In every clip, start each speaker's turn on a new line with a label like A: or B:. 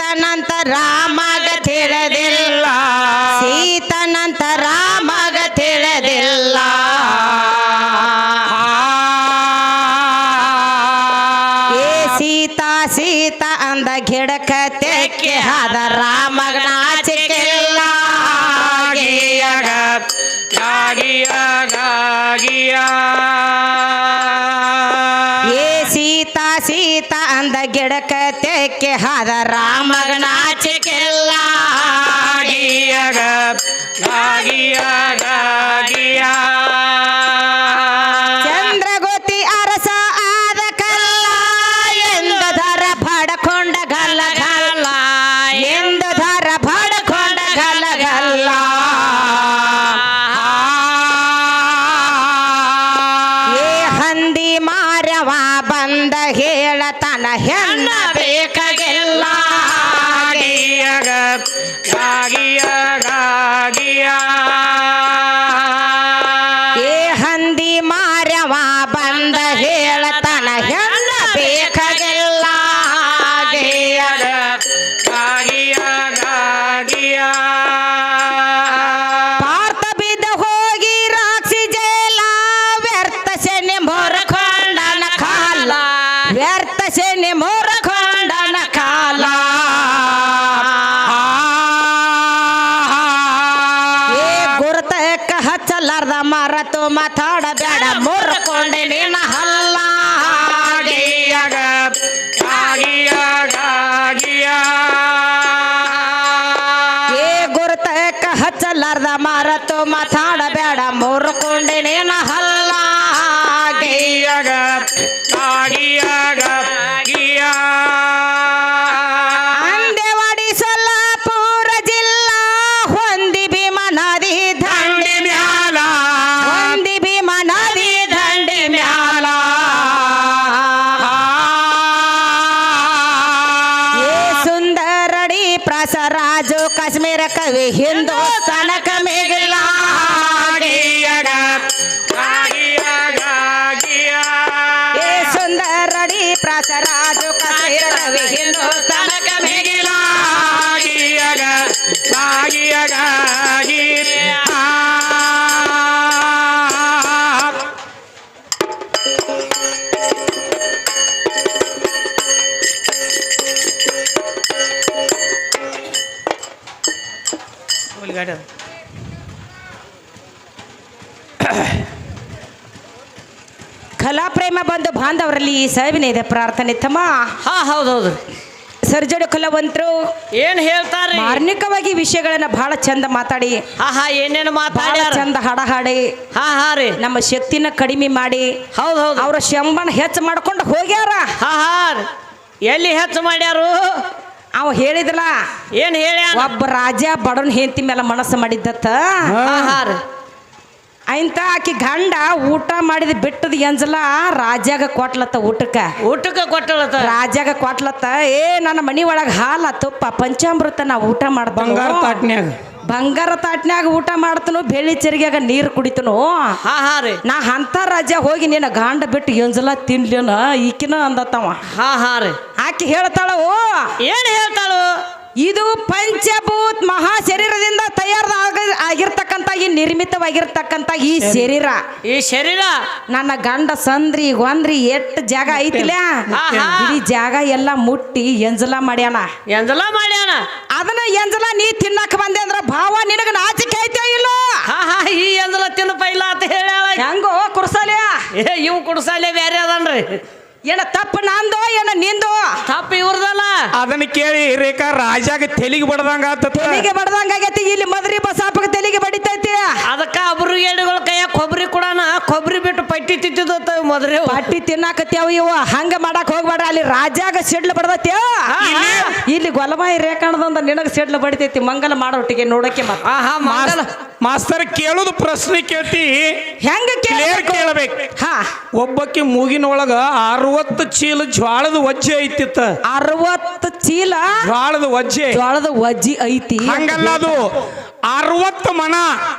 A: ಸೀತನಂತ ರಾಮಗ ತಿಳಿದಿಲ್ಲ ಸೀತನಂತ ರಾಮಗ ತಿಳಿದಿಲ್ಲ ಏ ಸೀತಾ ಸೀತಾ ಅಂದ ಗಿಡಕ ತೆಕ್ಕೆ ಹಾದ ರಾಮಗ ನಾಚಿಕೆಲ್ಲ ಏ ಸೀತಾ ಸೀತಾ ಅಂದ ಗಿಡಕ ತೆಕ್ಕೆ ಹಾದ ರಾಮಗ ನಾಚಿಕೆಲ್ಲ ಚಂದ್ರಗೋತಿ ಅರಸ ಆದ ಕಲ್ಲ ಎಂದು ಧರ ಬಡಕೊಂಡ ಗಲ್ಲ ಗಲ್ಲ ಎಂದು ಧರ ಬಡಕೊಂಡ ಗಲ್ಲ ಗಲ್ಲ ಏ ಹಂದಿ ಮಾರವ ಬಂದ ಹೇಳತನ ಹೆಣ್ಣ ಬೇಕಾಗಿಲ್ಲ ಏ ಹಂದಿ ಮಾರವ ಬಂದ ಹೇಳತನ ಹೆಣ್ಣ ಬೇಕಾಗಿಲ್ಲ ಪಾರ್ಥ ಬಿದ್ದ ಹೋಗಿ ರಾಕ್ಷಿ ಜೇಲ ವ್ಯರ್ಥ ಶನಿ ಮೊರಕೊಂಡನ ಕಾಲ ವ್ಯರ್ಥ ಶನಿ ಮೊರಕೊಂಡನ ಕಾಲ ಏ ಗುರುತಕ್ಕ ಹಚ್ಚಲಾರ್ದ ಮರತು ಮಾತಾಡಬೇಡ ಮುರ್ಕೊಂಡೆ ನಿನ್ನ ಹಲ್ಲ ಏ ಗುರುತಕ್ಕ ಹಚ್ಚಲಾರ್ದ ಮರತು ಮಾತಾಡಬೇಡ ಮುರ್ಕೊಂಡೆ ನಿನ್ನ ಹಲ್ಲ ಅಂದೇವಾಡಿ ಸೊಲ್ಲಾಪುರ ಜಿಲ್ಲಾ ಹೊಂದಿ ಭೀಮ ನದಿ ದಂಡಿ ಮ್ಯಾಲ ಹೊಂದಿ ಭೀಮ ನದಿ ದಂಡಿ ಮ್ಯಾಲ ಏ ಸುಂದರಡಿ ಪ್ರಸರಾಜು ಕಾಶ್ಮೀರ ಕವಿ ಹಿಂದೂಸ್ತಾನಕ ಮೇಗಿಲ್ಲ ಏ ಸುಂದರಡಿ ಪ್ರಸರಾಜು ಕಾಶ್ಮೀರ ಕವಿ ಹಿಂದೂಸ್ತಾನಕ ಮೇಗಿಲ್ಲ ಕಲಾ ಪ್ರೇಮ ಬಂದು ಬಾಂಧವರಲ್ಲಿ ಈ ಸಾವಿನ ಇದೆ ಪ್ರಾರ್ಥನೆ ತಮ್ಮ
B: ಹಾ ಹೌದೌದು
A: ಸರ್ಜಡು ಕಲಾವಂತರು
B: ಏನ್ ಹೇಳ್ತಾರ
A: ಮಾರ್ಮಿಕವಾಗಿ ವಿಷಯಗಳನ್ನ ಬಹಳ ಚಂದ ಮಾತಾಡಿ
B: ಹಾ ಹಾ ಏನೇನು
A: ಬಹಳ
B: ಮಾತಾಡ್ಯಾರ
A: ಚಂದ ಹಾಡ ಹಾಡಿ
B: ಹಾ ಹಾ ರೀ
A: ನಮ್ಮ ಶಕ್ತಿನ ಕಡಿಮೆ ಮಾಡಿ
B: ಹೌದ್ ಹೌದು
A: ಅವ್ರ ಶಂಬಣ ಹೆಚ್ಚು ಮಾಡ್ಕೊಂಡು ಹೋಗ್ಯಾರ
B: ಹಾ ಹಾ ರೀ. ಎಲ್ಲಿ ಹೆಚ್ಚು ಮಾಡ್ಯಾರು
A: ಅವ ಹೇಳಿದ್ರಲ್ಲ
B: ಏನ್ ಹೇಳ್ಯಾನ
A: ಒಬ್ಬ ರಾಜ ಬಡವನ್ ಹೆಂಡತಿ ಮೇಲೆ ಮನಸ್ಸು ಮಾಡಿದ್ದತ್ತ
B: ಹಾ ಹಾ ರೀ
A: ಇಂತ ಆಕಿ ಗಂಡ ಊಟ ಮಾಡಿದ ಬಿಟ್ಟದ ಎಂಜಲ ರಾಜಾಗ ಕೊಟ್ಲತ್ತ
B: ಊಟಕ್ಕೆ ಕೊಟ್ಟಳತ್ತ
A: ರಾಜಾಗ ಕೊಟ್ಲತ್ತ ಏ ನನ್ನ ಮನಿ ಒಳಗ ಹಾಲ ತುಪ್ಪ ಪಂಚಾಮೃತ ನಾ ಊಟ ಮಾಡ್ತಾನ ಬಂಗಾರ ತಾಟ್ನ್ಯಾಗ ಊಟ ಮಾಡ್ತನು ಬೆಳ್ಳಿ ಚೆರಿಗ್ಯಾಗ ನೀರು ಕುಡಿತನು
B: ಹಾ ಹಾ ರೀ
A: ನಾ ಅಂತ ರಾಜ ಹೋಗಿ ನಿನ್ನ ಗಂಡ ಬಿಟ್ಟು ಎಂಜಲ ತಿನ್ಲೇನ ಈಕಿನ ಅಂದತ್ತವ
B: ಹಾ ಹಾ ರೀ
A: ಆಕಿ ಹೇಳ್ತಾಳ ಓ
B: ಏನ್ ಹೇಳ್ತಾಳು
A: ಇದು ಪಂಚಭೂತ್ ಮಹಾ ಶರೀರದಿಂದ ಆಗಿರ್ತಕ್ಕಂಥ ಈ ನಿರ್ಮಿತವಾಗಿರ್ತಕ್ಕಂಥ ಈ ಶರೀರ
B: ಈ ಶರೀರ
A: ನನ್ನ ಗಂಡ ಸಂದ್ರಿ ಗೊಂದ್ರಿ ಎಷ್ಟ್ ಜಾಗ ಐತಿಲ್ಲ ಈ ಜಾಗ ಎಲ್ಲ ಮುಟ್ಟಿ ಎಂಜಲ ಮಾಡ್ಯಾನ ಅದನ್ನ ಎಂಜಲ ನೀ ತಿನ್ನಕ್ ಬಂದೆ ಅಂದ್ರ ಭಾವ ನಿನಗ ನಾಚಿಕೆ ಐತೆ ಇಲ್ಲ
B: ಹಾ ಹಾ ಈ ಎಂಜಲ ತಿನ್ನಪ ಇಲ್ಲ ಅಂತ ಹೇಳ
A: ಹೆಂಗೋ ಕುಡ್ಸಾಲ್ಯ
B: ಇವು ಕುಡ್ಸಾಲೆ ಬೇರೆ ಅದನ್ರಿ
A: ಏನ ತಪ್ಪು ನಂದೋ ಏನ ನಿಂದೋ
B: ತಪ್ಪು ಇವ್ರದಲ್ಲ
C: ಅದನ್ನ ಕೇಳಿ ರೇಖಾ ರಾಜಾಗ ತೆಲಿಗೆ ಬಡ್ದಂಗ
A: ತೆಲಿಗೆ ಬಡ್ದಂಗ ಆಗೈತಿ ಇಲ್ಲಿ ಮದ್ರಿ ಬಸಾಪಗ ತೆಲಿಗೆ ಬಡಿತೈತಿ
B: ಅದಕ್ಕ ಒಬ್ರು ಏಡುಗಳ ಕೈಯಾಗ ಕೊಬ್ಬರಿ ಕೊಡೋಣ ಕೊಬ್ಬರಿ ಬಿಟ್ಟು ಪಟ್ಟಿ ತಿಂತಿದ್ದ ಮದ್ರಿ
A: ಪಟ್ಟಿ ತಿನ್ನಾಕತ್ಯಾವ ಇವ ಹಂಗ ಮಾಡಕ್ ಹೋಗ್ಬೇಡ್ರ ಅಲ್ಲಿ ರಾಜಾಗ ಸಿಡ್ಲು ಬಡದೈತಿ ಇಲ್ಲಿ ಗೊಲಮಾಯಿ ರೇಖಾಣದಂದ ನಿನಗ ಸಿಡ್ಲು ಬಡಿತೈತಿ ಮಂಗಲ ಮಾಡೋಟಿಗೆ ನೋಡಕ್ಕೆ
C: ಮಾಸ್ತರ್ ಕೇಳುದು ಪ್ರಶ್ನೆ ಕೇಳ್ತಿ
A: ಹೆಂಗ
C: ಕೇಳಬೇಕು
A: ಹಾ
C: ಒಬ್ಬಕ್ಕೆ ಮೂಗಿನೊಳಗ 60 ಚೀಲ ಜ್ವಾಳದ ವಜ್ಜೆ ಐತಿತ್ತ
A: 60 ಚೀಲ
C: ಜ್ವಾಳದ ವಜ್ಜೆ
A: ವಜ್ಜಿ ಐತಿ
C: ಹಂಗಲ್ಲ ಅದು 60 ಮನ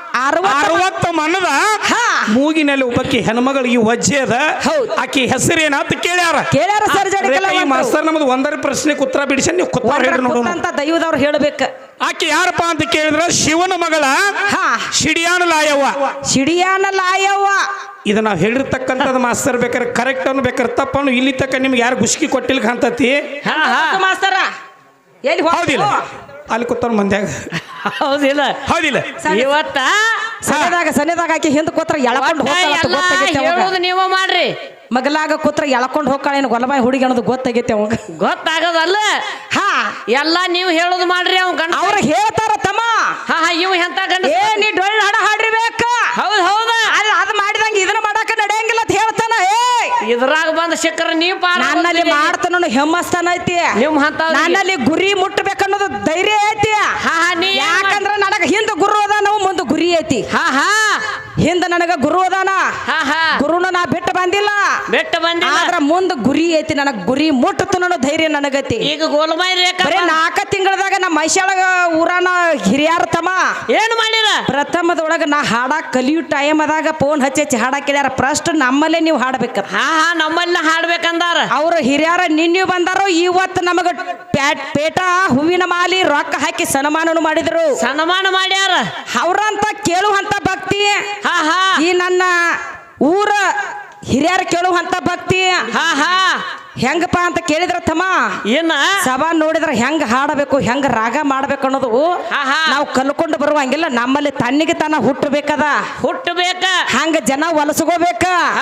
C: 60 ಮನದ ಮೂಗಿನಲ್ಲಿ ಒಬ್ಬಕ್ಕೆ ಹೆಣ್ಮಗಳಿಗೆ ವಜ್ಜೆ ಅದ. ಆಕಿ ಹೆಸರೇನಂತ ಕೇಳ್ಯಾರ
A: ಸರ್
C: ಈ ಮಾಸ್ತರ್ ನಮ್ದು ಒಂದರ ಪ್ರಶ್ನೆಗೆ ಉತ್ತರ ಬಿಡಿಸಿ ನೀವು ಕುತ್ತಾರ ಹೇಳಿ ನೋಡೋಣ
A: ಅಂತ ದೈವದವ್ರು ಹೇಳ್ಬೇಕ.
C: ಆಕಿ ಯಾರಪ್ಪ ಅಂತ ಕೇಳಿದ್ರ ಶಿವನ ಮಗಳ ಶಿಡಿಯಾನ ಲಾಯವ್ವ.
A: ಶಿಡಿಯಾನ ಲಾಯವ್ವ
C: ಇದು ನಾವು ಹೇಳಿರ್ತಕ್ಕಂಥದ್ದು ಮಾಸ್ತರ್ ಬೇಕಾರೆ ಕರೆಕ್ಟ್ ಅನ್ನು ಬೇಕಾರೆ ತಪ್ಪನ್ನು ಇಲ್ಲಿ ತಕ್ಕ ನಿಮ್ಗೆ ಯಾರು ಗುಸ್ಕಿ ಕೊಟ್ಟಿಲ್ಲ ಕಾಂತತಿ
A: ಮಾಸ್ತರ ಎಲ್ಲಿ
C: ಹೌದಿಲ್ಲ ಅಲ್ಲಿ ಕೂತವ್ರ ಮಂದ್ಯಾಗ
B: ಹೌದಿಲ್ಲ
C: ಹೌದಿಲ್ಲ
B: ಇವತ್ತ
A: ಸನ್ನೆದಾಗ ಆಕಿ ಹಿಂದ್ ಕೂತ್ರ ಎಳ್ಕೊಂಡು
B: ಹೇಳೋದು ನೀವ ಮಾಡ್ರಿ.
A: ಮಗಲಾಗ ಕೂತ್ರ ಎಳ್ಕೊಂಡು ಹೋಗ್ಕಾಳೇನು ಗೊಲಬಾಯಿ ಹುಡುಗಿ ಅನ್ನೋದು ಗೊತ್ತಾಗೈತೆ ಅವಾಗ
B: ಗೊತ್ತಾಗದಲ್ಲ. ಎಲ್ಲಾ ನೀವು ಹೇಳೋದು ಮಾಡ್ರಿ. ಅವ್ ಗಂಡ
A: ಅವ್ರ ಹೇಳ್ತಾರ ತಮ್ಮ.
B: ಇವ್ ಎಂತ ಗಂಡ
A: ನೀ ಡೊಳ್ಳು ಹಾಡ ಹಾಡ್ರಿಬೇಕ.
B: ಹೌದ್ ಹೌದ
A: ಅದ್ ಮಾಡಿದಂಗ ಇದನ್ನ ಮಾಡಾಕ ನಡೆಯಂಗಿಲ್ಲ ಅಂತ ಹೇಳ್ತಾನ.
B: ಇದ್ರಾಗ ಬಂದ ಶಿಖರ ನೀವ್
A: ನನ್ನಲ್ಲಿ ಮಾಡ್ತಾನ ಹೆಮ್ಮಸ್ತಾನ ಐತಿ. ನನ್ನಲ್ಲಿ ಗುರಿ ಮುಟ್ಟಬೇಕನ್ನೋದು ಧೈರ್ಯ ಐತಿ. ಯಾಕಂದ್ರ ನನಗ ಹಿಂದ ಗುರು ಅದಾನ ಮುಂದ ಗುರಿ ಐತಿ. ಹಿಂದ ನನಗ ಗುರು ಅದಾನ. ಗುರುನ ನಾ ಬಿಟ್ಟು ಬಂದಿಲ್ಲ ಆದ್ರ ಮುಂದ ಗುರಿ ಐತಿ. ನನಗ ಗುರಿ ಮುಟ್ಟತು ಅನ್ನೋ ಧೈರ್ಯ ನನಗೈತಿ.
B: ಈಗ ಗೋಲ್ಮಾಯಿ ರೇಖಾ
A: 4 ತಿಂಗಳದಾಗ ನಮ್ಮ ಮೈಸಾಳ ಊರಾನ ಹಿರಿಯಾರ ತಮ್ಮ
B: ಏನ್ ಮಾಡಿರ
A: ಪ್ರಥಮದೊಳಗ ನಾ ಹಾಡಾಕ್ ಕಲಿಯೋ ಟೈಮ್ ಅದಾಗ ಫೋನ್ ಹಚ್ಚಿ ಹಾಡಾಕ್ ಕೇಳ್ಯಾರ. ಫಸ್ಟ್ ನಮ್ಮಲ್ಲೇ ನೀವು ಹಾಡ್ಬೇಕ.
B: ನಮ್ಮಲ್ಲ ಹಾಡ್ಬೇಕಂದಾರ
A: ಅವ್ರ ಹಿರಿಯಾರ ನಿನ್ನೆ ಬಂದಾರೋ ಇವತ್ತು ನಮಗ ಪೇಟ ಹೂವಿನ ಮಾಲಿ ರೊಕ್ಕ ಹಾಕಿ ಸನ್ಮಾನನು ಮಾಡಿದ್ರು.
B: ಸನ್ಮಾನ ಮಾಡ್ಯಾರ.
A: ಅವ್ರಂತ ಕೇಳುವಂತ ಭಕ್ತಿ ಈ ನನ್ನ ಊರ ಹಿರಿಯರ ಕೇಳುವಂತ ಭಕ್ತಿ ಹೆಂಗಪ್ಪ ಅಂತ ಕೇಳಿದ್ರ ತಮ್ಮ
B: ಏನ
A: ಸಭಾ ನೋಡಿದ್ರ ಹೆಂಗ ಹಾಡಬೇಕು ಹೆಂಗ ರಾಗ ಮಾಡ್ಬೇಕು ಅನ್ನೋದು ನಾವು ಕಲ್ಕೊಂಡು ಬರುವಂಗಿಲ್ಲ. ನಮ್ಮಲ್ಲಿ ತನ್ನಿಗೆ ತನ್ನ ಹುಟ್ಟಬೇಕದ ಹಂಗ ಜನ ಹೊಲಸ್ಕೋಬೇಕ.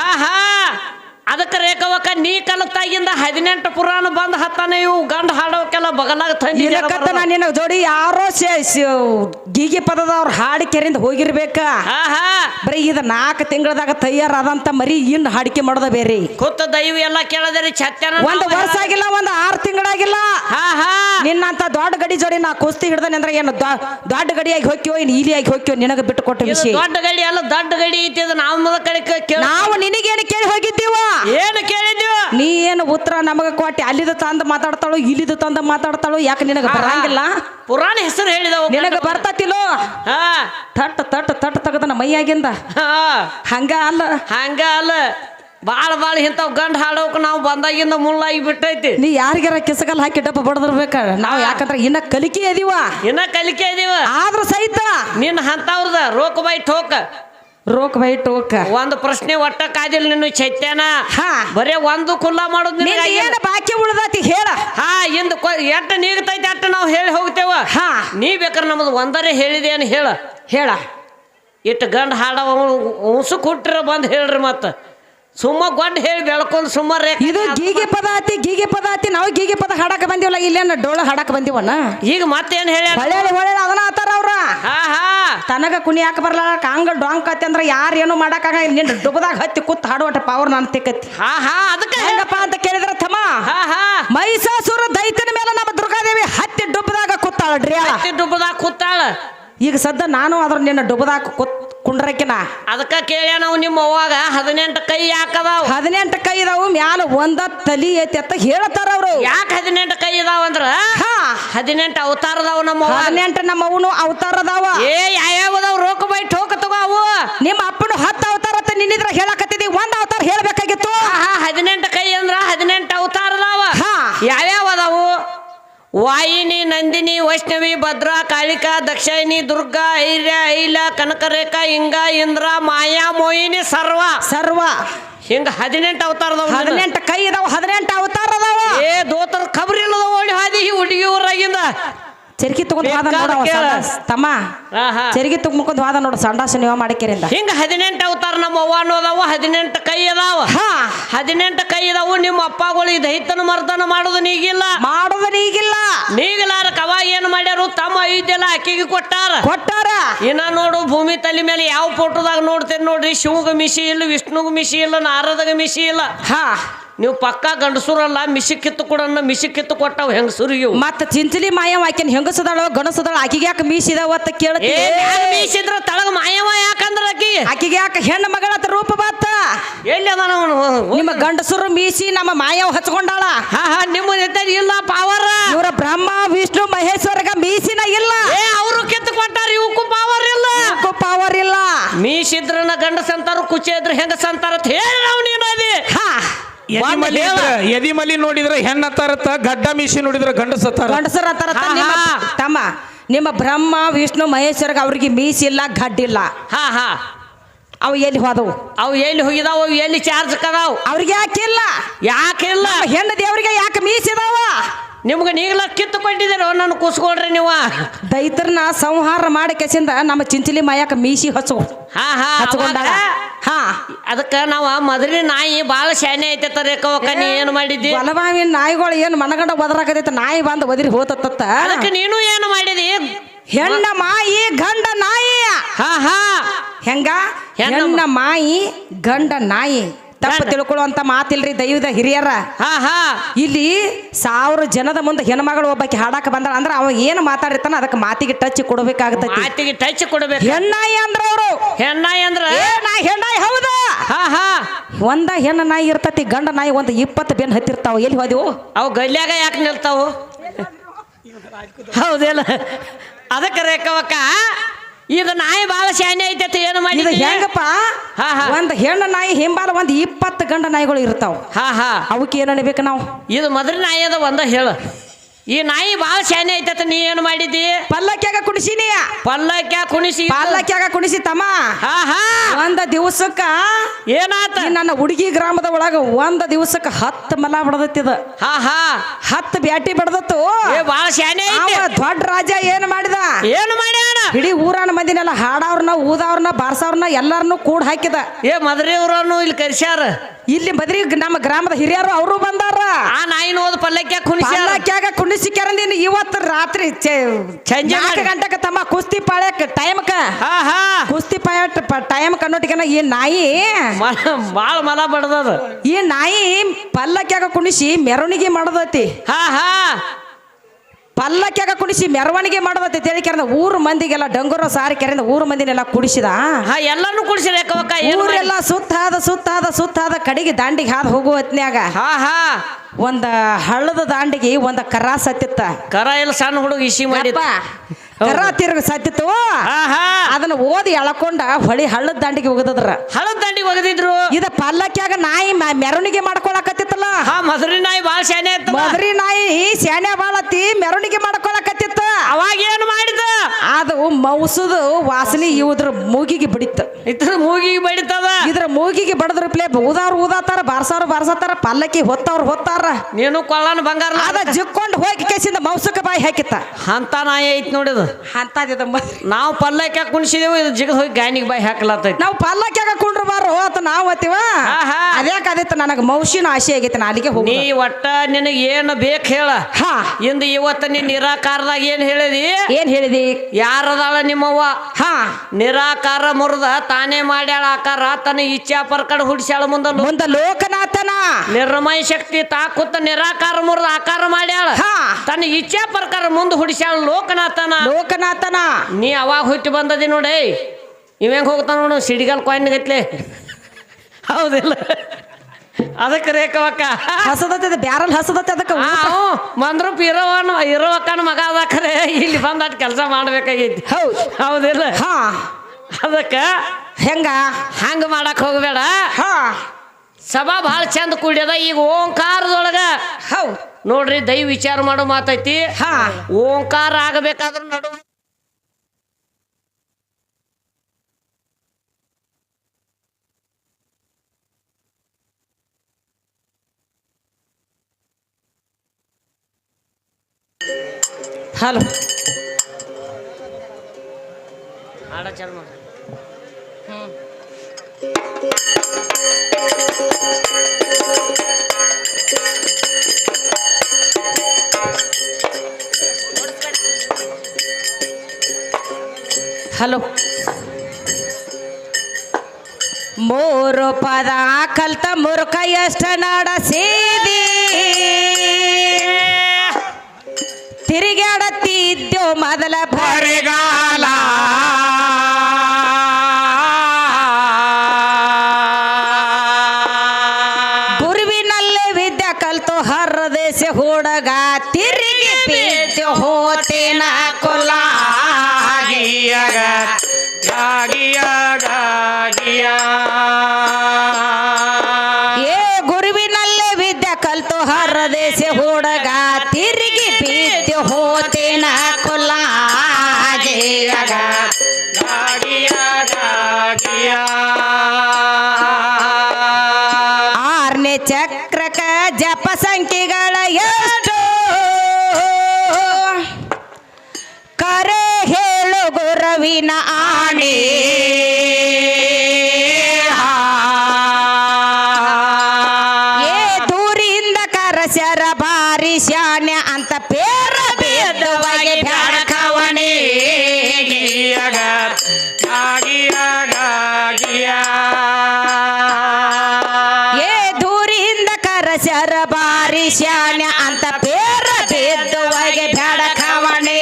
B: ಅದಕ್ಕೆ ರೇಖವಕ್ಕ ನೀ ಕಲತಾಗಿಂದ 18 ಪುರಾಣ ಬಂದ್ ಹತ್ತಾನ ಇವು ಗಂಡ ಹಾಡೋಕೆಲ್ಲ ಬಗಲಾಗ ತಂದಿ
A: ನಿನ್ನ ಜೋಡಿ ಯಾರೋ ಗೀಗಿ ಪದದವ್ರ ಹಾಡಿ ಕೆರೆಯಿಂದ ಹೋಗಿರ್ಬೇಕ. ಬರೀ ಇದ 4 ತಿಂಗಳದಾಗ ತಯಾರಾದಂತ ಮರಿ ಇನ್ ಹಾಡಿಕೆ ಮಾಡೋದ ಬೇರೆ.
B: ಕೂತ ದೈವ ಎಲ್ಲ ಕೇಳದ್ರಿ ಛತ್ಯನ
A: 1 ವರ್ಷ ಆಗಿಲ್ಲ 6 ತಿಂಗಳಾಗಿಲ್ಲ. ನಿನ್ನಂತ ದೊಡ್ಡ ಗಡಿ ಜೋಡಿ ನಾ ಕುಸ್ತಿ ಹಿಡ್ದಾನೆ ಅಂದ್ರೆ ಏನು ದೊಡ್ಡ ಗಡಿಯಾಗಿ ಹೋಗ್ಯೋ ಇನ್ ಇಲಿಯಾಗಿ ಹೋಗ್ಯೋ ನಿನಗ ಬಿಟ್ಟು ಕೊಟ್ಟ ವಿಷಯ.
B: ದೊಡ್ಡ ಗಡಿ ಅಲ್ಲ ದೊಡ್ಡ ಗಡಿ ಐತಿ.
A: ನಾವು ನಿನಗೇನು ಕೇಳಿ ಹೋಗಿದ್ದೀವ
B: ಏನು ಕೇಳಿದ್ವಿ.
A: ನೀ ಏನು ಉತ್ತರ ನಮಗ ಕೊಟ್ಟಿ ಅಲ್ಲಿದ ತಂದ ಮಾತಾಡ್ತಾಳು ಇಲ್ಲಿದ ತಂದ ಮಾತಾಡ್ತಾಳು. ಯಾಕೆ ನಿನಗ ಬರಂಗಿಲ್ಲ?
B: ಪುರಾಣ ಹೆಸರು ಹೇಳಿದವ
A: ನಿನಗ ಬರ್ತತಿಲೋ. ತಟ್ ತಟ್ ತಟ್ ತಗದನ ಮೈಯಾಗಿಂದ ಹಂಗ ಅಲ್ಲ ಬಾಳ ಇಂಥವ್ ಗಂಡ ಹಾಡೋಕ್ ನಾವು ಬಂದಾಗಿಂದ ಮುಳ್ಳಾಗಿ ಬಿಟ್ಟೈತಿ. ನೀ ಯಾರಿಗಾರ ಕಿಸಗಲ್ ಹಾಕಿ ಡಬ್ಬ ಬಡದಿರ್ಬೇಕ. ನಾವು ಯಾಕಂದ್ರೆ ಇನ್ನ ಕಲಿಕೆ ಇದೀವ ಆದ್ರೂ ಸಹಿತ
B: ನಿನ್ನ ಅಂತವ್ರದ ರೋಕ್ ಬೈ ಟೋಕ ಒಂದು ಪ್ರಶ್ನೆ ಒಟ್ಟ ಕಾದಿಲ್ಲ ನಿನ್ನ ಚೈತ್ಯಾನ. ಬರೇ ಒಂದು ಕುಲ್ಲ ಮಾಡೋದು
A: ಏನು ಬಾಕಿ ಉಳ್ದತಿ ಹೇಳ.
B: ಎಟ್ಟ ನೀಗ್ತೈತಿ ಅಟ್ಟ ನಾವು ಹೇಳಿ ಹೋಗ್ತೇವ. ನೀ ಬೇಕಾರೆ ನಮ್ದು ಒಂದರೇ ಹೇಳಿದೆ ಏನು ಹೇಳ ಇಟ್ಟು ಗಂಡ ಹಾಡವ ಉಸು ಕೊಟ್ಟಿರ ಬಂದು ಹೇಳ್ರಿ. ಮತ್ತ ಸುಮ್ಮ ಗೊಡ್ಡ ಹೇಳಿ ಬೆಳ್ಕೊಂಡು ಸುಮಾರು
A: ಇದು ಗೀಗೆ ಪದ ಆತಿ. ನಾವು ಗೀಗೆ ಪದ ಹಾಡಕ ಬಂದಿವಲ್ಲ, ಇಲ್ಲೇನ ಡೋಳ ಹಾಡಕ ಬಂದಿವನ.
B: ಈಗ ಮತ್ತೇನ್ ಹೇಳ
A: ಅದನ್ನ ಆತಾರ ಅವ್ರ ತನಗ ಕುಣಿ ಯಾಕೆ ಬರ್ಲ ಕಾಂಗ ಡಾಂಗ್ ಕತ್ತಿ ಅಂದ್ರ ಯಾರು ಏನು ಮಾಡಕ್ಕಾಗ ನಿನ್ ಡುಬದಾಗ ಹತ್ತಿ ಕೂತ್ ಹಾಡುವಟ ಪವರ್ ನಾನು ತಿಕ್ಕತ್ತಿ.
B: ಅದಕ್ಕೆ
A: ಹೆಂಗಪ್ಪ ಅಂತ ಕೇಳಿದ್ರ ತಮ್ಮ ಮೈಸಾಸುರ ದೈತ್ಯನ ಮೇಲೆ ನಮ್ಮ ದುರ್ಗಾದೇವಿ ಹತ್ತಿ ಡುಬ್ಬದಾಗ ಕೂತಾಳ. ಈಗ ಸದ್ದ ನಾನು ಅದ್ರ ನಿನ್ನ ಡುಬದಾಗ ಕುಂಡ್ರಕಿನ
B: ಅದಕ್ಕ ಕೇಳ ನಾವು ನಿಮ್ಮ ಅವ್ವಾಗ 18 ಕೈ ಯಾಕದಾವ.
A: 18 ಕೈ ಇದಾವು ಮ್ಯಾಲ ಒಂದ ತಲಿ ಐತಿ ಅಂತ ಹೇಳ್ತಾರ ಅವ್ರು.
B: ಯಾಕೆ 18 ಕೈ ಇದಾವ ಅಂದ್ರ 18 ಅವತಾರ ಅದಾವ. ನಮ್ಮ
A: 18 ನಮ್ಮ ಅವನು ಅವತಾರ ಅದಾವ.
B: ಯಾವ್ಯಾವದಾವ್ ರೋಕ ಬೈ ಠೋಕ ತಗೋ ಅವು.
A: ನಿಮ್ಮ ಅಪ್ಪನು 10 ಅವತಾರ ಅಂತ ನಿನ್ನಿದ್ರ ಹೇಳಕತ್ತಿದಿ. 1 ಅವತಾರ ಹೇಳ್ಬೇಕಾಗಿತ್ತು.
B: 18 ಕೈ ಅಂದ್ರ 18 ಅವತಾರ ಅದಾವ. ಯಾವ್ಯಾವ ಅದಾವು? ವಾಯಿನಿ, ನಂದಿನಿ, ವೈಷ್ಣವಿ, ಭದ್ರಾ, ಕಾಳಿಕಾ, ದಕ್ಷಾಯಿನಿ, ದುರ್ಗಾ, ಐರ್ಯ, ಐಲ, ಕನಕರೇಖಾ, ಇಂಗ, ಇಂದ್ರ, ಮಾಯಾ, ಮೋಹಿನಿ, ಸರ್ವ ಹಿಂಗ 18 ಅವತಾರ ಅದಾವ.
A: 18 ಕೈ ಇದಾವ, 18 ಅವತಾರ ಅದಾವ.
B: ದೋತರ ಖಬರ್ ಇಲ್ಲದ ಓಡಿ ಹಾದಿ ಹುಡುಗಿ ಊರಾಗಿಂದ
A: ಚರ್ಗಿ ತಗೊಂಡ್ ವಾದ ನೋಡ ತಮ್ಮ. ಚರ್ಗಿ ತಗೊಂಡ್ ವಾದ ನೋಡು ಸಂಡಾಸ ನೀವ ಮಾಡಿಕೆರಿಂದ.
B: ಹಿಂಗ 18 ಅವತಾರ ನಮ್ಮ ಅವ್ವ ಅನ್ನೋದಾವ. 18 ಕೈ ಅದಾವ. 18 ಕೈ ಇದಾವು. ನಿಮ್ಮ ಅಪ್ಪಗಳು ಈ ದೈತನ ಮರ್ದನ ಮಾಡೋದು ನೀಗಿಲ್ಲ. ನೀಗಿಲಾರ ಕವ ಏನ್ ಮಾಡ್ಯಾರು? ತಮ್ಮ ಐದೆಲ್ಲ ಅಕ್ಕಿಗೆ ಕೊಟ್ಟಾರ. ಇನ್ನ ನೋಡು ಭೂಮಿ ತಲೆ ಮೇಲೆ ಯಾವ ಫೋಟೋದಾಗ ನೋಡ್ತೇನೆ ನೋಡ್ರಿ, ಶಿವಗ ಮಿಶಿ ಇಲ್ಲ, ವಿಷ್ಣುಗ ಮಿಶಿ ಇಲ್ಲ, ನಾರದಗ ಮಿಶಿ ಇಲ್ಲ. ನೀವು ಪಕ್ಕ ಗಂಡಸೂರಲ್ಲ. ಮಿಶಿ ಕಿತ್ತು ಕೊಟ್ಟಾವ ಹೆಂಗಸೂರಿಗೆ.
A: ಮತ್ತ ಚಿಂಚಲಿ ಮಾಯವ ಆಕಿನ ಹೆಂಗಸದಾಳ ಗಣಸದಾಳ ಆಕಿಗೆ ಯಾಕೆ ಮೀಸಿದಾವ ಅಂತ ಕೇಳ್ತಿ.
B: ಮೀಸಿದ್ರ ತಳಗ ಮಾಯವ ಯಾಕಂದ ಅಂದ್ರ
A: ಆಕಿಗೆ ಯಾಕೆ ಹೆಣ್ಣು ಮಗಳತ್ತ ರೂಪ ಬಾತ
B: ಎಲ್ಲಿ ಅದ
A: ನಿಮ್ಮ ಗಂಡಸರು ಮೀಸಿ ನಮ್ಮ ಮಾಯವ್ ಹಚ್ಕೊಂಡಾಳ
B: ಹಾ ಹಾ ನಿಮ್ಮ ಇಲ್ಲ ಪಾವರ್
A: ಇವರ ಬ್ರಹ್ಮ ವಿಷ್ಣು ಮಹೇಶ್ವರಗ ಮೀಸಿನ ಇಲ್ಲ
B: ಅವರು ಕಿತ್ತು ಕೊಟ್ಟಾರ ಇವಕ್ಕೂ ಪಾವರ್ ಇಲ್ಲ
A: ಪವರ್ ಇಲ್ಲ
B: ಮೀಸಿದ್ರನ ಗಂಡಸ ಅಂತಾರ ಕುಚೆ ಇದ್ರ ಹೆಂಗಸ ಅಂತಾರ ಅಂತ ಹೇಳಿ ನಾವು ನೀನು ಅದಿ
C: ಎದಿಮಲಿ ನೋಡಿದ್ರೆ ಹೆಣ್ಣತ್ತಾರತ್ತ ಗಡ್ಡ ಮೀಸಿ ನೋಡಿದ್ರೆ ಗಂಡಸತ್ತಾರ
A: ಗಂಡಸರ ತಮ್ಮ ನಿಮ್ಮ ಬ್ರಹ್ಮ ವಿಷ್ಣು ಮಹೇಶ್ವರಗ ಅವ್ರಿಗೆ ಮೀಸಿಲ್ಲ ಗಡ್ಡಿಲ್ಲ
B: ಹಾ ಹಾ
A: ಅವು ಎಲ್ಲಿ ಹೋದವು
B: ಅವು ಎಲ್ಲಿ ಹೋಗಿದಾವ ಎಲ್ಲಿ ಚಾರ್ಜ್ ಕದಾವ್
A: ಅವ್ರಿಗೆ ಯಾಕಿಲ್ಲ
B: ಯಾಕಿಲ್ಲ
A: ಹೆಣ್ಣು ದೇವ್ರಿಗೆ ಯಾಕೆ ಮೀಸಿದಾವ
B: ನಿಮ್ಗೆ ನೀಗ್ಲ ಕಿತ್ತು ಕೊಟ್ಟಿದ್ದೀರೋ ನನ್ನ ಕೂಸ್ಕೊಳ್ರಿ ನೀವು
A: ದೈತ್ರನ ಸಂಹಾರ ಮಾಡಿ ಕೆಸಿಂದ ನಮ್ಮ ಚಿಂಚಲಿ ಮಾಯಕ ಮೀಸಿ
B: ಹಾ ಹಾ
A: ಹಚ್ಕೊಂಡಾಳ ಹಾ
B: ಅದಕ್ಕ ನಾವ ಮದ್ರಿ ನಾಯಿ ಬಾಳ ಶಾನೆ ಐತೆ ರೇಖವಕ್ಕ ನೀ ಏನು ಮಾಡಿದ್ದಿ
A: ಬಲವಾವಿನ ನಾಯಿಗಳು ಏನು ಮನಗಂಡ ಒದರಾಕತೈತ ನಾಯಿ ಬಂದು ಒದಿರಿ ಹೋತತ್ತ
B: ಅದಕ್ಕೆ ನೀನು ಏನು ಮಾಡಿದಿ
A: ಹೆಣ್ಣ ಮಾಯಿ ಗಂಡ ನಾಯಿ
B: ಹಾ ಹಾ
A: ಹೆಂಗ ಹೆಣ್ಣ ಮಾಯಿ ಗಂಡ ನಾಯಿ ತಪ್ಪು ತಿಳ್ಕೊಳ್ಳುವಂತ ಮಾತಿಲ್ರಿ ದೈವದ ಹಿರಿಯರ
B: ಹಾ ಹಾ
A: ಇಲ್ಲಿ 1000 ಜನದ ಮುಂದೆ ಹೆಣ್ಮಗಳು ಒಬ್ಬಾಕಿ ಹಾಡಾಕ ಬಂದಾಳ ಅಂದ್ರ ಅವ ಏನು ಮಾತಾಡಿರ್ತಾನ ಅದಕ್ಕೆ ಮಾತಿಗೆ ಟಚ್ ಕೊಡಬೇಕಾಗತೈತಿ
B: ಮಾತಿಗೆ ಟಚ್ ಕೊಡಬೇಕು
A: ಹೆಣ್ಣಾಯಿ ಅಂದ್ರ ಅವರು
B: ಹೆಣ್ಣಾಯಿ ಅಂದ್ರ
A: ಹೆಣ್ಣಾಯಿ ಹೌದಾ
B: ಹಾ ಹಾ
A: ಒಂದ ಹೆಣ್ಣ ನಾಯಿ ಇರ್ತತಿ ಗಂಡ ನಾಯಿ ಒಂದು 20 ಬೆನ್ ಹತ್ತಿರ್ತಾವ ಎಲ್ಲಿ ಹೋದೆವು
B: ಅವು ಗಲ್ಯಾಗ ಯಾಕೆ ನಿಲ್ತಾವು ಹೌದಿಲ್ಲ ಅದಕ್ಕೆ ರೇಖವಕ್ಕ ಇದು ನಾಯಿ ಬಾಳ ಶಾನೆ ಐತೆ ಏನು ಮಾಡಿ
A: ಹೆಂಗಪ್ಪ ಒಂದ್ ಹೆಣ್ಣು ನಾಯಿ ಹಿಂಬಾಲ ಒಂದ್ 20 ಗಂಡ ನಾಯಿಗಳು ಇರ್ತಾವ
B: ಹಾ ಹಾ
A: ಅವಕ್ಕೆ ಏನ್ ಅನ್ಬೇಕು ನಾವು
B: ಇದು ಮದ್ರಿ ನಾಯಿ ಅದ ಒಂದ ಹೇಳು ಈ ನಾಯಿ ಬಾಳ ಶಾನೆ ಐತತ ನೀ ಏನು ಮಾಡಿದ್ದಿ
A: ಪಲ್ಲಕ್ಯಾಗ ಕುಣಿಸಿನಿ
B: ಪಲ್ಲಕ್ಯಾಗ
A: ಕುಣಿಸಿ ತಮ್ಮ
B: ಹಾ ಹಾ
A: ಒಂದ ದಿವಸಕ್ಕ
B: ಏನಾತ
A: ನನ್ನ ಹುಡುಗಿ ಗ್ರಾಮದ ಒಳಗ ಒಂದ ದಿವಸಕ್ಕ 10 ಮಲ ಬಡದತ್ತಿದ
B: ಹಾ ಹಾ
A: 10 ಬ್ಯಾಟಿ ಬಡದತ್ತು
B: ಬಾಳ ಶಾನೆ
A: ದೊಡ್ಡ ರಾಜ ಏನ್ ಮಾಡಿದ
B: ಏನು ಮಾಡ್ಯಾನ
A: ಇಡೀ ಊರನ ಮಂದಿನೆಲ್ಲ ಹಾಡವ್ರನ್ನ ಊದವ್ರನ್ನ ಬಾರ್ಸವ್ರನ್ನ ಎಲ್ಲಾರನ್ನು ಕೂಡ ಹಾಕಿದ
B: ಮದ್ರಿಯವ್ರನ್ನು ಇಲ್ಲಿ ಕರ್ಸ್ಯಾರ
A: ಇಲ್ಲಿ ಮದ್ರಿ ನಮ್ಮ ಗ್ರಾಮದ ಹಿರಿಯರು ಅವರು ಬಂದಾರ
B: ಆ ನಾಯಿನ ಹೋದ
A: ಪಲ್ಲಕ್ಯಾಗ ಕುಣಿಸಿ ಕೆರಂದಿನ ಇವತ್ತು ರಾತ್ರಿ 4 ಗಂಟೆಗೆ ತಮ್ಮ ಕುಸ್ತಿ ಪಾಳ್ಯಕ್ ಟೈಮ್ಕ ಕುಸ್ತಿ ಪಾಳ್ಯ ಟೈಮ್ ಕನ್ನೋಟಿಗೆನ ಈ ನಾಯಿ
B: ಬಾಳ ಮಲ ಬಡದದ
A: ಈ ನಾಯಿ ಪಲ್ಲಕ್ಯಾಗ ಕುಣಿಸಿ ಮೆರವಣಿಗೆ ಮಾಡದೈತಿ
B: ಹಾ ಹಾ
A: ಪಲ್ಲಕ್ಯಾಗ ಕುಣಿಸಿ ಮೆರವಣಿಗೆ ಮಾಡೋದತ್ತೆ ತಿಳಿ ಕೆರೆದ ಊರು ಮಂದಿಗೆಲ್ಲ ಡಂಗುರ ಸಾರಿ ಕೆರೆದ ಊರು ಮಂದಿನೆಲ್ಲ ಕುಡಿಸಿದ
B: ಎಲ್ಲಾನು ಕುಡಿಸಿದ
A: ಊರೆಲ್ಲ ಸುತ್ತಾದ ಕಡೆಗೆ ದಾಂಡಿಗೆ ಹಾದು ಹೋಗುವ ಹೊತ್ನ್ಯಾಗ ಒಂದ ಹಳ್ಳದ ದಾಂಡಿಗೆ ಒಂದ ಕರ ಸತ್ತಿತ್ತ
B: ಕರ ಎಲ್ಲ ಸಣ್ಣ ಹುಡುಗ ಇಸಿ ಮಾಡಿ
A: ಕರ ತಿರುಗ ಸತ್ತಿತ್ತು ಅದನ್ನ ಓದಿ ಎಳಕೊಂಡ ಹೊಳಿ ಹಳ್ಳದ ದಾಂಡಿಗೆ ಹೋಗದ್ರ
B: ಹಳ್ಳದ ದಾಂಡಿಗೆ ಹೋಗದಿದ್ರು
A: ಇದ ಪಲ್ಲಕ್ಯಾಗ ನಾಯಿ ಮೆರವಣಿಗೆ ಮಾಡ್ಕೊಳಕತ್ತಿತ್ತಲ್ಲ
B: ಮದ್ರಿ ನಾಯಿ ಬಾಳ ಶಾನೆ
A: ಮದ್ರಿ ನಾಯಿ ಶಾನೆ ಬಾಳತ್ತಿ ಮೆರವಣಿಗೆ ಮಾಡ್ಕೊಳಕತ್ತಿತ್ತ
B: ಅವಾಗ ಏನು ಮಾಡಿದ
A: ಅದು ಮೌಸದ ವಾಸನೆ ಇದ್ರ ಮೂಗಿಗೆ ಬಿಡಿತ್ತು
B: ಇದ್ರ ಮೂಗಿಗೆ ಬಡಿತದ
A: ಇದ್ರ ಮೂಗಿಗೆ ಬಡದ್ರ ಪ್ಲೇ ಊದಾತಾರ ಬಾರ್ಸಾರ ಪಲ್ಲಕ್ಕಿ ಹೊತ್ತಾರ
B: ನೀನು ಕೊಳ್ಳನ ಬಂಗಾರ
A: ಅದ ಜಿಕ್ಕೊಂಡು ಹೋಗಿ ಕೇಸಿಂದ ಮೌಸಕ ಬಾಯಿ ಹಾಕಿತ್ತ
B: ಅಂತ ನಾಯಿ ಐತ್ ನೋಡಿದ
A: ಅಂತದ
B: ನಾವು ಪಲ್ಲಕ್ಯಾಗ ಕುಣಿಸಿದೇವು ಇದು ಜಿಗದ್ ಹೋಗಿ ಗಾನಿಗೆ ಬಾಯಿ ಹಾಕ್ಲತ್ತೈತಿ
A: ನಾವು ಪಲ್ಲಕ್ಯಾಗ ಕುಂಡ್ರು ಬಾರೋ ಅಂತ ನಾವು ಅತ್ತೀವ ಅದ್ಯಾಕ ಅದಿತ್ತು ನನಗೆ ಮೌಸಿನ ಆಸೆ ಆಗೈತಿ ನಾ ಅಲ್ಲಿಗೆ ಹೋಗಿ
B: ನೀ ಒಟ್ಟ ನಿನಗೆ ಏನು ಬೇಕು ಹೇಳ ಇಂದು ಇವತ್ತು ನೀ ನಿರಾಕಾರದಾಗ ಏನ್ ಹೇಳಿದಿ ಯಾರದಾಳ ನಿಮ್ಮವ್ವ ನಿರಾಕಾರ ಮುರಿದ ತಾನೇ ಮಾಡ್ಯಾಳ ಆಕಾರ ತನ್ನ ಇಚ್ಛಾ ಪರ್ಕಡ್ ಹುಡ್ಸ್ಯಾಳ ಮುಂದ
A: ಲೋಕನಾಥನ
B: ನಿರ್ಮಯ ಶಕ್ತಿ ತಾಕುತ್ತ ನಿರಾಕಾರ ಮುರಿದ ಆಕಾರ ಮಾಡ್ಯಾಳ ತನ್ನ ಇಚ್ಛಾ ಪ್ರಕಾರ ಮುಂದೆ ಹುಡ್ಸ್ಯಾಳ ಲೋಕನಾಥನ ನೀ ಅವಾಗ ಹುಟ್ಟಿ ಬಂದದಿ ನೋಡಿ ಇವಂಗ ಹೋಗ್ತಾನ ನೋಡು ಸಿಡಿಗಲ್ ಕಾಯಿನ್ ಗತ್ಲೆ ಹೌದಿಲ್ಲ ಅದಕ್ಕೆ ರೇಖವಕ್ಕ
A: ಹಸದತ್ತೆ ಬ್ಯಾರಲ್ ಹಸದತ್ತೆ ಅದಕ್ಕೆ
B: ಬಂದ್ರು ಇರೋವಕ್ಕನ ಮಗ ಅದಕ್ಕರೆ ಇಲ್ಲಿ ಬಂದ ಕೆಲಸ ಮಾಡ್ಬೇಕಾಗೈತಿ ಹೌದಿಲ್ಲ ಅದಕ್ಕ ಹಂಗ ಮಾಡಕ್ ಹೋಗ್ಬೇಡ ಸಭಾ ಬಹಳ ಚಂದ ಕೂಡ್ಯದ ಈಗ ಓಂಕಾರದೊಳಗ ನೋಡ್ರಿ ದೈವ ವಿಚಾರ ಮಾಡೋ ಮಾತೈತಿ ಓಂಕಾರ ಆಗಬೇಕಾದ್ರ ನಡು
A: ಹಲೋ
B: ಹಾಡ ಚಾಲು ಮಾಡ
A: ಹಲೋ ಮೂರು ಪದ ಕಲ್ತ ಮುರುಕ ಎಷ್ಟ ನಡೆಸಿದಿ ತಿರುಗಾಡತ್ತಿದ್ದೋ ಮೊದಲ
C: ಬರಿಗಾಲ
A: ಸಂಖ್ಯೆಗಳ ಎಷ್ಟು ಕರೆ ಹೇಳು ಗುರುವಿನ ಆಣೆ ಏ ದೂರಿಂದ ಕರಸ್ಯರ ಬಾರಿ ಶಾನ್ಯ ಅಂತ ಪೇರ ಬೇದವಾಗಿ ಬ್ಯಾಡಕವಣಿ ಏ ದೂರಿಂದ ಕರಸ್ಯರ ಬಾರಿ ಶಾನ್ಯ ಅಂತ ಪೇರ ಬೇದವಾಗಿ ಬ್ಯಾಡಕವಣಿ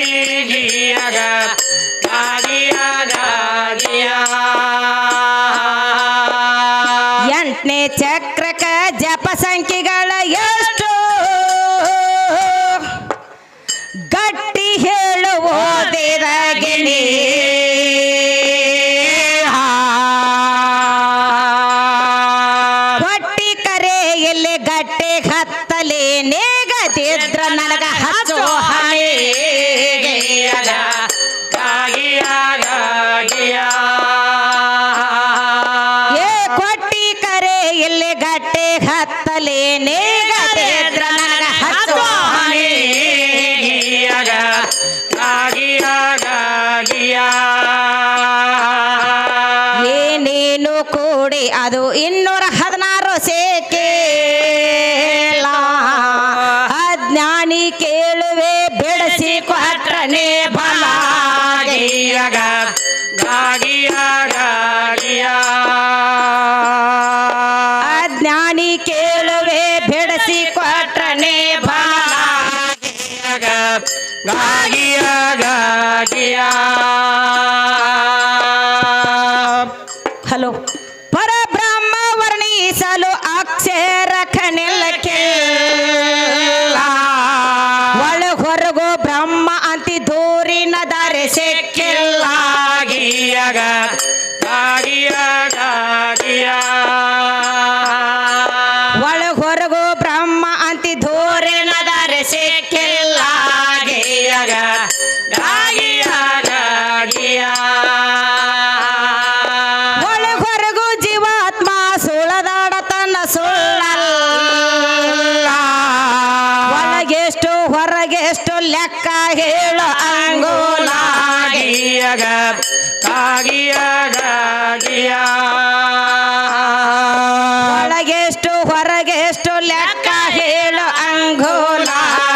A: ಎಂಟನೇ ಚಕ್ರಕ ಜಪ ಸಂಖ್ಯೆಗಳ ಎಷ್ಟು ಗಟ್ಟಿ ಹೇಳು ಓದಿದ ಗಿಣಿ ಹೊಟ್ಟಿ ಕರೆಯಲ್ಲಿ ಗಟ್ಟೆ ಹತ್ತಲೆ ನೇಗದಿದ್ರ ನನಗ ಹಚ್ಚೋ ಹಣೆ ಏ ಕೊಟ್ಟಿ ಕರೆ ಇಲ್ಲಿ ಗಟ್ಟೆ ಹತ್ತಲೆ ನೇಗದಿದ್ರ ನನಗ ಹಚ್ಚೋ ಹಣೆ ಏನೇನು ಕೂಡಿ ಅದು 216 ಸೇಕೆ ಅಜ್ಞಾನಿ ಕೇಳುವೆ ಬೆಳೆಸಿ ಕೊಟ್ರನೆ ಬಲ ಅಜ್ಞಾನಿ ಕೇಳುವೆ ಬೆಳೆಸಿ ಕೊಟ್ರನೆ ಬಲ ಹಲೋ ಪರಬ್ರಹ್ಮ ವರ್ಣಿಸಲು ಅಕ್ಷರ ಖನಿಲಕ್ಕೆ ಒಳ ಹೊರಗೋ ಬ್ರಹ್ಮ ಅಂತಿ ದೂರಿನ ದಾರೆ ಸಿಕ್ಕಿಲ್ಲ ಒಳ ಹೊರಗೋ ಬ್ರಹ್ಮ ಅಂತಿ ದೂರಿನ ದಾರೆ ಸಿಕ್ಕಿಲ್ಲ ಒಳ ಹೊರಗು ಜೀವಾತ್ಮ ಸುಳದಾಡತನ ಸುಳ್ಳಲ್ಲ ಒಳಗೆಷ್ಟು ಹೊರಗೆಷ್ಟು ಲೆಕ್ಕ ಹೇಳು ಅಂಗೋಲ ಒಳಗೆಷ್ಟು ಹೊರಗೆಷ್ಟು ಲೆಕ್ಕ ಹೇಳು ಅಂಗೋಲ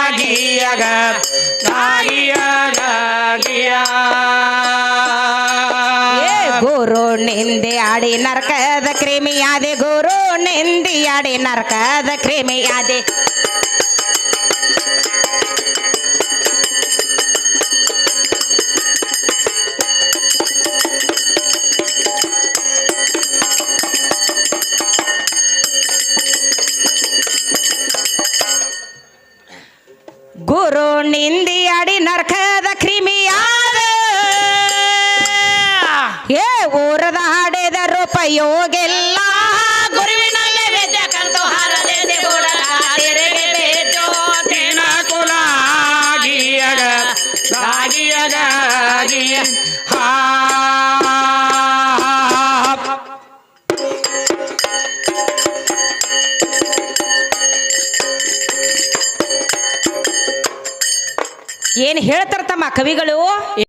A: ಏ ಗುರು ನಿಂದೆ ಆಡಿ ನರಕದ ಕ್ರಿಮಿಯಾದೆ ಗುರು ನಿಂದಿ ಆಡಿ ನರಕದ ಕ್ರಿಮಿಯಾದೆ ಗುರು ನಿಂದಿ ಅಡಿ ನರಕದ ಕ್ರಿಮಿಯಾದ ಏ ಊರದ ಹಾಡಿದ ರೂಪಯೋಗಿಲ್ಲ ಗುರುವಿನಲ್ಲೇ ವಿದ್ಯೆ ಕಂತು ಹಾರದೆ ಏನ್ ಹೇಳ್ತಾರ ತಮ್ಮ ಕವಿಗಳು.